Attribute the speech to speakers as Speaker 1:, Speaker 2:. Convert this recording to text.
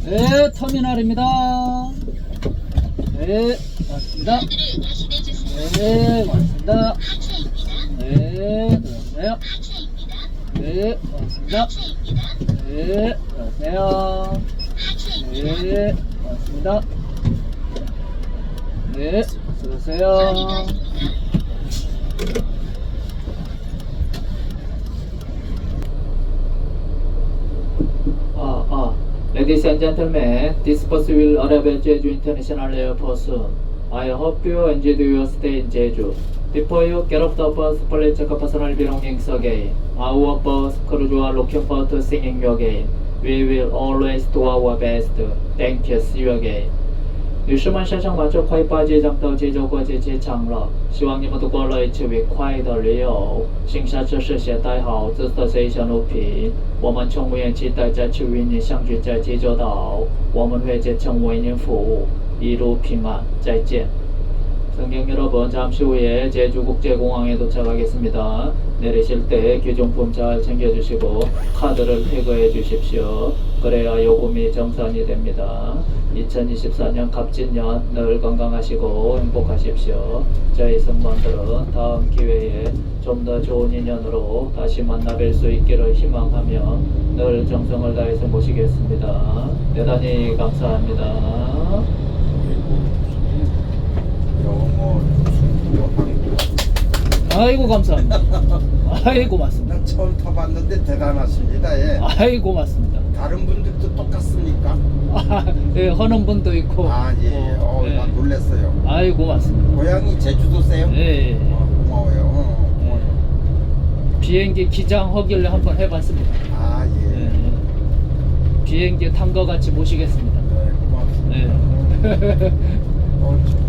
Speaker 1: 네, 터미널입니다. 네, 맞습니다. 네, 맞습니다. 네, 들어오세요. 네, 맞습니다. 네, 들어오세요. 네, 맞습니다. 네, 들어오세요. Ladies and gentlemen, this bus will arrive at Jeju International Airport soon. I hope you enjoyed your stay in Jeju. Before you get off the bus, please check personal belongings again. Our bus crew are looking forward to seeing you again. We will always do our best. Thank you. See you again. 女士们、先生们，这快八即将到济州国际机场了，希望你们度过了一次愉快的旅游。请下车时携带好自己的随身物品。我们乘务员期待再次与你相聚在济州岛，我们会竭诚为您服务，一路平安，再见。 승객 여러분, 잠시 후에 제주국제공항에 도착하겠습니다. 내리실 때 귀중품 잘 챙겨주시고 카드를 태그해 주십시오. 그래야 요금이 정산이 됩니다. 2024년 갑진년 늘 건강하시고 행복하십시오. 저희 승무원들은 다음 기회에 좀 더 좋은 인연으로 다시 만나 뵐 수 있기를 희망하며 늘 정성을 다해서 모시겠습니다. 대단히 감사합니다.
Speaker 2: 영어, 중국어, 한국어.
Speaker 1: 아이고 감사합니다. 아이고 맞습니다.
Speaker 2: 난 처음 타봤는데 대단하십니다. 예.
Speaker 1: 아이고 맞습니다.
Speaker 2: 다른 분들도 똑같습니까?
Speaker 1: 예, 하는 분도 있고.
Speaker 2: 아, 예.
Speaker 1: 예.
Speaker 2: 난 놀랐어요.
Speaker 1: 아이고 맞습니다.
Speaker 2: 고향이 제주도세요?
Speaker 1: 예.
Speaker 2: 고마워요.
Speaker 1: 비행기 기장 허기를 한번 해봤습니다.
Speaker 2: 아, 예.
Speaker 1: 예. 비행기 탄 거 같이 모시겠습니다.
Speaker 2: 네, 고맙습니다.
Speaker 1: 네.